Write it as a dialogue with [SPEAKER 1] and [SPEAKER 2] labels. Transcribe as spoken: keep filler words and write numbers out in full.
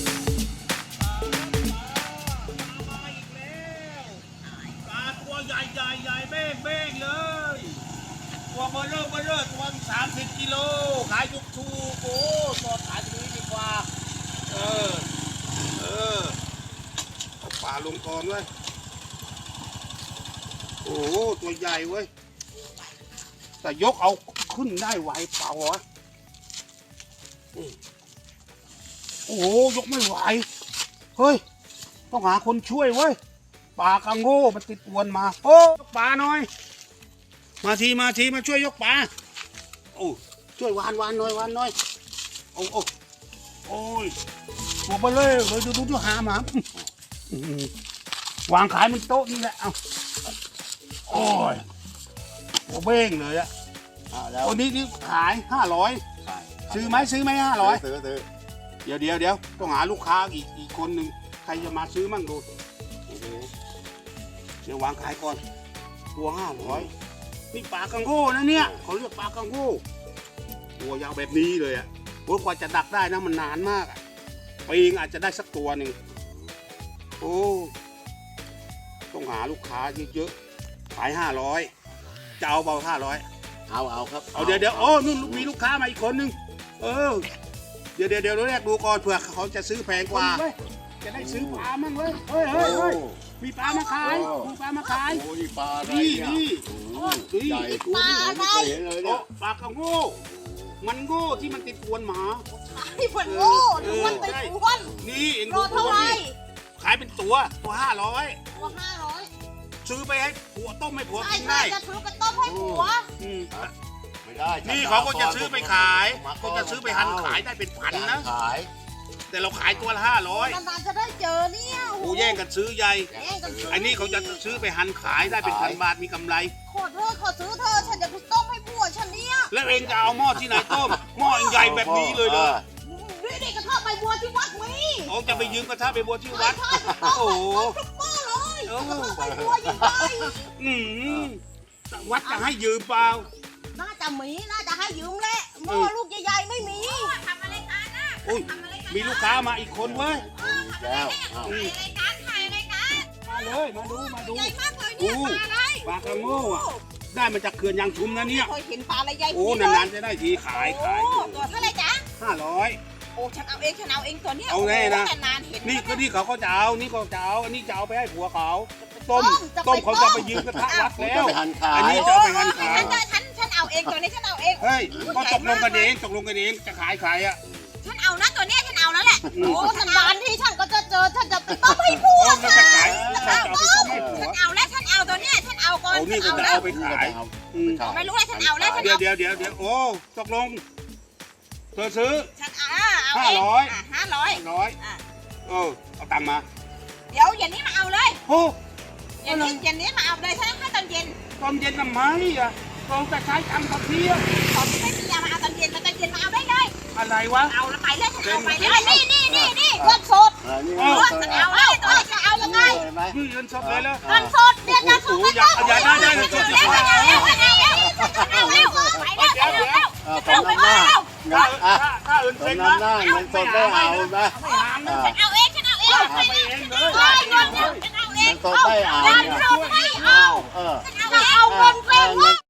[SPEAKER 1] ปลาตัวใหญ่ใหญ่ใหญ่เบ้งเบ้งเลยตัวเบอร์เริ่มเบอร์เริ่มตัวสามสิบกิโลขายทุกทูโอ้สดขายตรงนี้ดีกว่าเออเออเอาปลาลงก่อนเว้ยโอ้ตัวใหญ่เว้ยแต่ยกเอาขึ้นได้ไหวเปล่าวะโอ้ยกไม่ไหวเฮ้ยต้องหาคนช่วยเว้ยปลากังโง่มันติดอวนมาโอ้ยกปลาหน่อยมาทีมาทีมาช่วยยกปลาโอ้ช่วยวานวานหน่อยวานหน่อยโอ้โอ้โอ้ยหัวไปเลยเลยดูดูดูหาหมาวางขายมันโต๊ะนี่แหละเอาโอ้ยหัวเบ้งเลยอะวันนี้นี่ขายห้าร้อยซื้อไหมซื้อไหมห้าร้อย
[SPEAKER 2] ซื้อซื้อ
[SPEAKER 1] เดี๋ยวเดี๋ยวเดี๋ยวต้องหาลูกค้าอีกอีกคนหนึ่งใครจะมาซื้อมั่งดูเดี๋ยววางขายก่อนตัวห้าร้อยนี่ปลากังโง่นะเนี่ยเขาเรียกปลากังโง่ตัวยาวแบบนี้เลยอ่ะโอ้กว่าจะดักได้นะมันนานมากอ่ะปีงอาจจะได้สักตัวหนึ่งโอ้ต้องหาลูกค้าเยอะๆขายห้าร้อยจะเอาเบาห้าร้อย
[SPEAKER 2] เอาเอาครับ
[SPEAKER 1] เอาเดี๋ยวเดี๋ยวโอ้นู่นมีลูกค้ามาอีกคนหนึ่งเออเดี๋ยวเดี๋ยวเดี๋ยวแรกดูก่อนเผื่อเขาจะซื้อแพงกว่าจะได้ซื้อปลามั่งเว้ยเฮ้ยเฮ้ยเฮ้ยมีปลามาขายมีปลามาขาย
[SPEAKER 2] โอ้นี่ปลาอะไร
[SPEAKER 1] นี่นี่
[SPEAKER 2] ใหญ่กูไม่เคยเห็นเลยเนี่ย
[SPEAKER 1] ปลากระโง่มันโง่ที่มันติดอวนหมา
[SPEAKER 3] ไอ้มันโง่หรือมันติดอวน
[SPEAKER 1] นี่เอง
[SPEAKER 3] ดูเท่าไหร่
[SPEAKER 1] ขายเป็นตัวตัวห้าร้อย
[SPEAKER 3] ตัวห้าร้อย
[SPEAKER 1] ซื้อไปให้ผัวต้มให้ผัวกิน
[SPEAKER 3] ได้
[SPEAKER 1] ได้
[SPEAKER 3] จะซื้อไปต้มให้ผัว
[SPEAKER 2] ไม่ได้
[SPEAKER 1] นี่เขาก็จะซื้อไปขายก็จะซื้อไปหั่นขายได้เป็นพันนะ
[SPEAKER 2] ขาย
[SPEAKER 1] แต่เราขายตัวละห้าร้อย
[SPEAKER 3] นานๆจะได้เจอเนี่ย
[SPEAKER 1] โอ้แย่งกันซื้อใหญ่อันนี้เขาจะซื้อไปหั่นขายได้เป็นพันบาทมีกำไร
[SPEAKER 3] ขอเธอขอซื้อเธอฉันจะไปต้มให้ผัวฉันเนี่ย
[SPEAKER 1] แล้วเองจะเอาหม้อที่ไหนต้มหม้อใหญ่แบบนี้เลยเลย
[SPEAKER 3] นี่นี่กระทะใบบัวที่วัดมี
[SPEAKER 1] เขาจะไปยืมกระทะใบบัวที่วัด
[SPEAKER 3] โอ้โหทุกหม้อเลยกระทะใบบัวยิ่งใหญ่
[SPEAKER 1] อืมวัดจะให้ยืมเปล่า
[SPEAKER 3] น่าจะมีน่าจะให้ยืมแหละหม้อลูกใหญ่ๆไม่มีทำอะไรกันนะ
[SPEAKER 1] อุ้ยมีลูกค้ามาอีกคนเว้ย
[SPEAKER 2] แล้ว
[SPEAKER 3] อะไรกันถ่ายอะไรกัน
[SPEAKER 1] มาเลยมาดูมาดู
[SPEAKER 3] ใหญ่มากเลยเนี่ยปลาอะไร
[SPEAKER 1] ปลากระโง่อะได้มาจากเขื่อนยางชุมนะเนี่ย
[SPEAKER 3] เคยเห็นปลาอะไรใหญ่
[SPEAKER 1] โอ้นานๆจะได้ทีขายขาย
[SPEAKER 3] ตัวเท่าไรจ๊ะ
[SPEAKER 1] ห้าร้อย
[SPEAKER 3] โอ้ฉันเอาเองฉันเอาเองตัวนี้
[SPEAKER 1] เอาแน่นะ
[SPEAKER 3] นานเห็น
[SPEAKER 1] นี่ก็นี่เขาก็จะเอานี่ก็จะเอาอันนี้จะเอาไปให้ผัวเขาต้มต้มเขาจะไปยืมกระทะวัดแล้วอันนี้จะไปหั่นขาย
[SPEAKER 3] ฉันฉันเอาเองตัวนี้ฉันเอาเอง
[SPEAKER 1] เฮ้ยก็ตกลงกันเองตกลงกันเองจะขายขายอ่ะ
[SPEAKER 3] ฉันเอานะตัวนี้ฉันเอาแล้วแหละโอ้ฉันนานที่ฉันก็จะเจอฉันจะไปต้มให้ผัวฉันเอาฉันเอาแล้วฉันเอาตัวนี้ฉันเอาก่อน
[SPEAKER 1] ฉันเอาแล้วไปขาย
[SPEAKER 3] ไม่รู้เลยฉันเอาแล้วฉัน
[SPEAKER 1] เดี๋ยวเดี๋ยวเดี๋ยวเดี๋ยวโอ้ตกลงเธอซื้อ
[SPEAKER 3] ฉันเอา
[SPEAKER 1] ห้าร้อย
[SPEAKER 3] ห้าร้อย
[SPEAKER 1] ร้อยเออเอาตังค์มา
[SPEAKER 3] เดี๋ยวเย็นนี้มาเอาเลย
[SPEAKER 1] โอ้
[SPEAKER 3] เย็นนี้เย็นนี้มาเอาเลยฉันให้ตอนเย็น
[SPEAKER 1] ตอนเย็นทำไมอ่ะเราจะใช้ทำตอนเที่ยง
[SPEAKER 3] ตอนไม่มียามาเอาตอนเย็นมาตอนเย็นมาเอาได้เลย
[SPEAKER 1] อะไรวะ
[SPEAKER 3] เอาแล้วไปเลยฉันเอาไปเลยนี่นี่นี่นี่เงินสดฉันเอาเลยตัวนี้ฉันเอายังไง
[SPEAKER 1] นี่เงินสดเลยแล้ว
[SPEAKER 3] เงินสดเดือนละสองพันบาท
[SPEAKER 1] อย่าได้ได้เงินสดอย่าได้
[SPEAKER 3] เอาแล้วเอาแล้วเอาแล้วไปแล้วไปแล้วเอาไปแล้ว
[SPEAKER 1] ถ้าอื่นเป็นนะ
[SPEAKER 2] เงินสดไม่เอาไหม
[SPEAKER 3] ฉันเอาเองฉันเอาเอง
[SPEAKER 1] ไปเองเลย
[SPEAKER 3] ฉันเอาเอง
[SPEAKER 2] เงินสดไม่เอา
[SPEAKER 3] เงินสดไม่เอาฉันเอาเงินไป